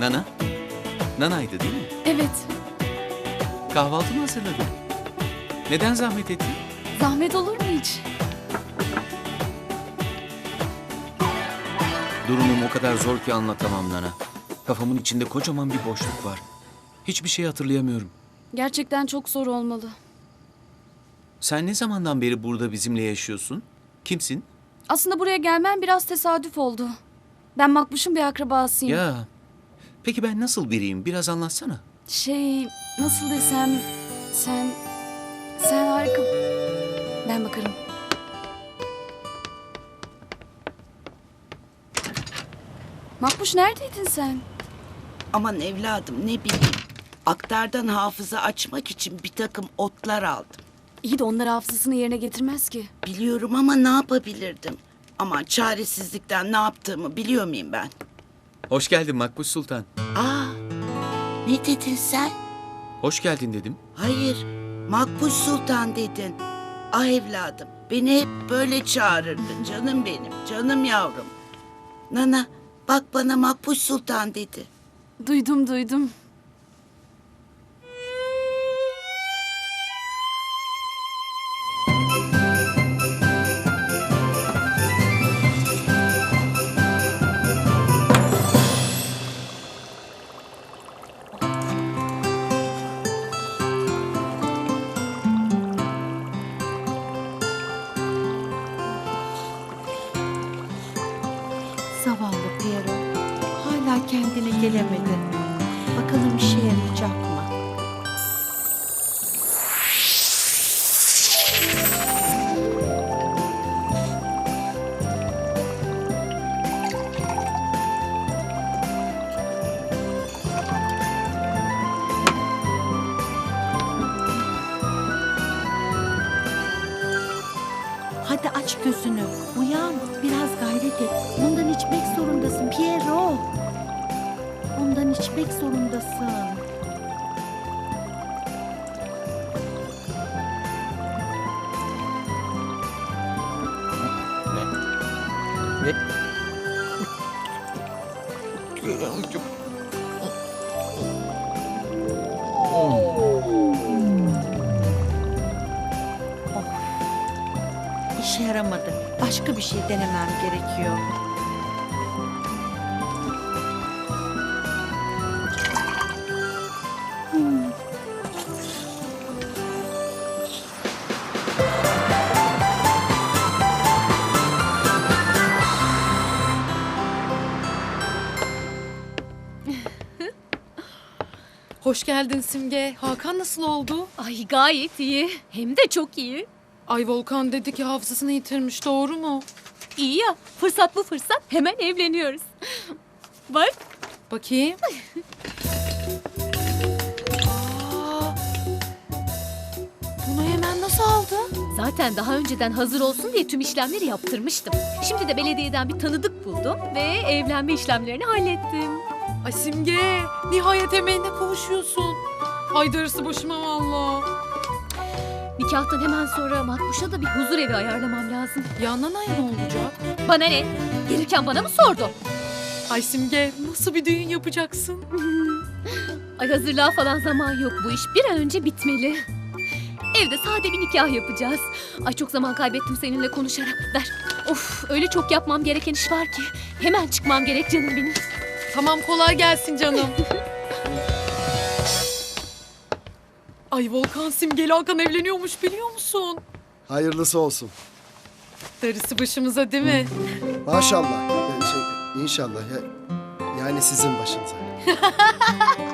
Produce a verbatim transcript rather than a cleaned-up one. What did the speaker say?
Nana? Nana'ydı değil mi? Evet. Kahvaltı mı hazırladın? Neden zahmet ettin? Zahmet olur mu hiç? Durumum o kadar zor ki anlatamam Nana. Kafamın içinde kocaman bir boşluk var. Hiçbir şey hatırlayamıyorum. Gerçekten çok zor olmalı. Sen ne zamandan beri burada bizimle yaşıyorsun? Kimsin? Aslında buraya gelmem biraz tesadüf oldu. Ben Makbuş'un bir akrabasıyım. Ya, peki ben nasıl biriyim? Biraz anlatsana. Şey, nasıl desem... Sen... Sen harika... Ben bakarım. Makbuş neredeydin sen? Aman evladım ne bileyim. Aktardan hafıza açmak için bir takım otlar aldım. İyi de onlar hafızasını yerine getirmez ki. Biliyorum ama ne yapabilirdim? Aman çaresizlikten ne yaptığımı biliyor muyum ben? Hoş geldin Makbuş Sultan. Aa, ne dedin sen? Hoş geldin dedim. Hayır, Makbuş Sultan dedin. Ah evladım, beni hep böyle çağırırdın canım benim, canım yavrum. Nana, bak bana Makbuş Sultan dedi. Duydum duydum. Zavallı Piero. Hala kendine gelemedi. Bakalım işe yarayacak mı? Hadi aç gözünü. Uyan. Biraz gayret et. Bundan içmek zorundasın Piero. Bundan içmek zorundasın. Ne? İşe yaramadı. Başka bir şey denemem gerekiyor. Hoş geldin Simge. Hakan nasıl oldu? Ay gayet iyi. Hem de çok iyi. Ay Volkan dedi ki hafızasını yitirmiş. Doğru mu? İyi ya. Fırsat bu fırsat. Hemen evleniyoruz. Bak. Bakayım. Aa, bunu hemen nasıl aldı? Zaten daha önceden hazır olsun diye tüm işlemleri yaptırmıştım. Şimdi de belediyeden bir tanıdık buldum ve evlenme işlemlerini hallettim. Ay Simge, nihayet emeğine kavuşuyorsun. Ay darısı başıma valla. Nikahtan hemen sonra Makbuş'a da bir huzur evi ayarlamam lazım. Ya Nana'ya ne olacak? Bana ne? Gelirken bana mı sordu? Ay Simge, nasıl bir düğün yapacaksın? Ay hazırlığa falan zaman yok. Bu iş bir an önce bitmeli. Evde sade bir nikah yapacağız. Ay çok zaman kaybettim seninle konuşarak. Ver. Of öyle çok yapmam gereken iş var ki. Hemen çıkmam gerek canım benim. Tamam kolay gelsin canım. Ay Volkan Simge'li Hakan evleniyormuş biliyor musun? Hayırlısı olsun. Darısı başımıza değil mi? Maşallah. Ee, Şey, inşallah. Ya, yani sizin başınıza.